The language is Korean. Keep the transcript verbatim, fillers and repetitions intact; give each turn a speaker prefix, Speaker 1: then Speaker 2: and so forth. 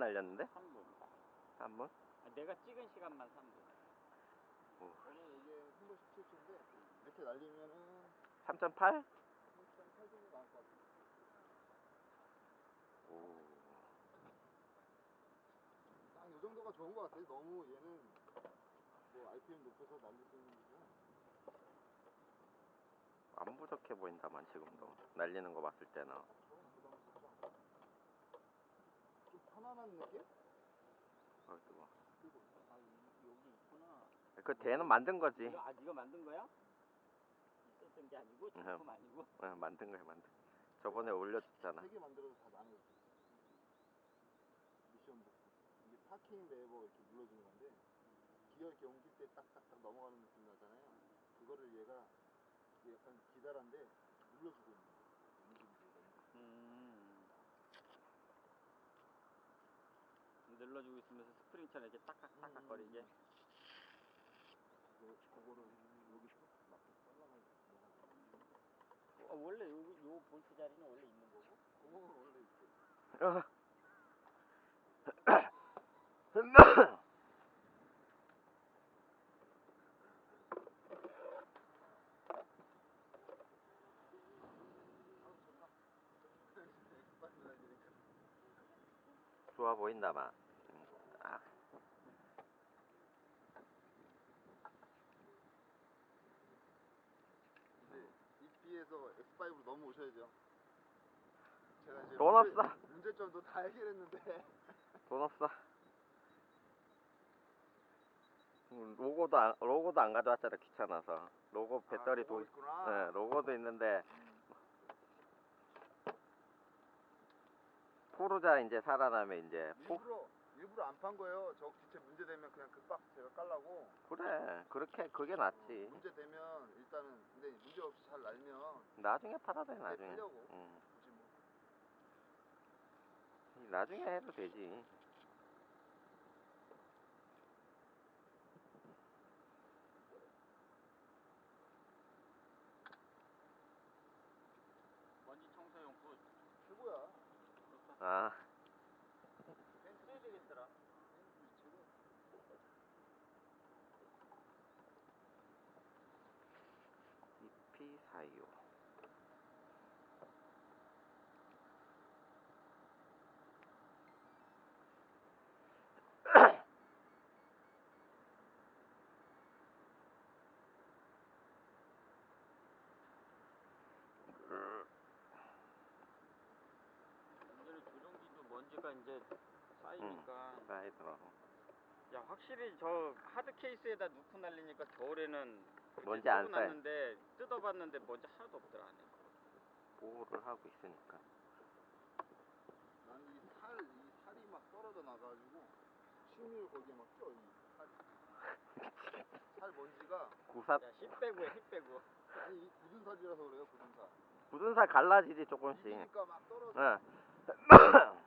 Speaker 1: 날렸는데?
Speaker 2: 삼 분.
Speaker 1: 삼 분?
Speaker 2: 아, 내가 찍은 시간만 삼 분.
Speaker 1: 오.
Speaker 3: 저는 이게 한 번 십칠 초인데 이렇게 날리면은
Speaker 1: 삼 점 팔?
Speaker 3: 삼 점 팔 정도 나올 것 같아요.
Speaker 1: 오.
Speaker 3: 딱 요 정도가 좋은 것 같아요. 너무 얘는 뭐 알피엠 높여서 날릴 수 있는 거고.
Speaker 1: 안 부족해 보인다만 지금도 날리는 거 봤을 때는.
Speaker 3: 좀 편안한 느낌?
Speaker 1: 어, 뜨거.
Speaker 2: 그리고 아 이- 여기 있구나.
Speaker 1: 그 대는 만든 거지.
Speaker 2: 이거, 아 네가 만든 거야? 있었던 게 아니고 제품 아니고.
Speaker 1: 어, 만든 거야 만든. 저번에 올려줬잖아.
Speaker 3: 세 개 만들어서 다 나눠줬어. 미션 복구. 이게 파킹 레버 이렇게 눌러주는 건데 기어 이렇게 옮길 때 딱딱딱 넘어가는 느낌 나잖아요. 그거를 얘가 이게 약간 기다란데 눌러주고 있는 거예요. 움직이고
Speaker 2: 음. 눌러주고 있으면서 스프링처럼 이렇게 딱딱딱딱거리게.
Speaker 3: 그거, 그거를 여기서 막 잘라가지고
Speaker 2: 어, 원래 요, 요 볼트 자리는 원래 있는 거고?
Speaker 3: 구멍은 원래 있어요.
Speaker 1: 어. 좋아 보인다만. 아.
Speaker 3: 근데 이피에서 엑스 파이브로 넘어오셔야죠. 제가 이제
Speaker 1: 돈
Speaker 3: 문제,
Speaker 1: 없어.
Speaker 3: 문제점도 다 해결했는데
Speaker 1: 돈 없어. 음, 로고도 안, 로고도 안 가져왔잖아 귀찮아서. 로고 배터리
Speaker 3: 아,
Speaker 1: 도
Speaker 3: 있구나.
Speaker 1: 네, 로고도 있는데 포르자 이제 살아나면 이제 포...
Speaker 3: 일부러 일부러 안 판 거예요. 저 기체 문제 되면 그냥 급박 제가 깔라고.
Speaker 1: 그래 그렇게 그게 낫지.
Speaker 3: 어, 문제 되면 일단은 근데 문제 없이 잘 날면
Speaker 1: 나중에 팔아도 돼
Speaker 3: 네,
Speaker 1: 나중에.
Speaker 3: 팔려고.
Speaker 1: 응.
Speaker 3: 굳이 뭐.
Speaker 1: 나중에 해도 되지.
Speaker 2: 먼지 청소용 붓.
Speaker 3: 최고야.
Speaker 1: 아.
Speaker 2: 써야 되겠더라.
Speaker 1: 이피 사십오.
Speaker 2: 이제는 조종기도 먼지가 이제 쌓이니까.
Speaker 1: 응. 쌓이더라고.
Speaker 2: 야 확실히 저 하드 케이스에다 넣고 날리니까 겨울에는
Speaker 1: 먼지 안 쌓여.
Speaker 2: 놨는데 뜯어봤는데 먼지 하나도 없더라 안에.
Speaker 1: 보호를 하고 있으니까.
Speaker 3: 난 이 살, 이 살이 막 떨어져 나가지고 침을 거기에 막 껴. 이 살. 살 먼지가
Speaker 1: 구사
Speaker 2: 야 힙 빼고 해 힙 빼고.
Speaker 3: 아니 이 굳은 살이라서 그래요. 굳은 살.
Speaker 1: 굳은 살 갈라지지 조금씩.
Speaker 3: 이기니까 막 떨어져.
Speaker 1: 응.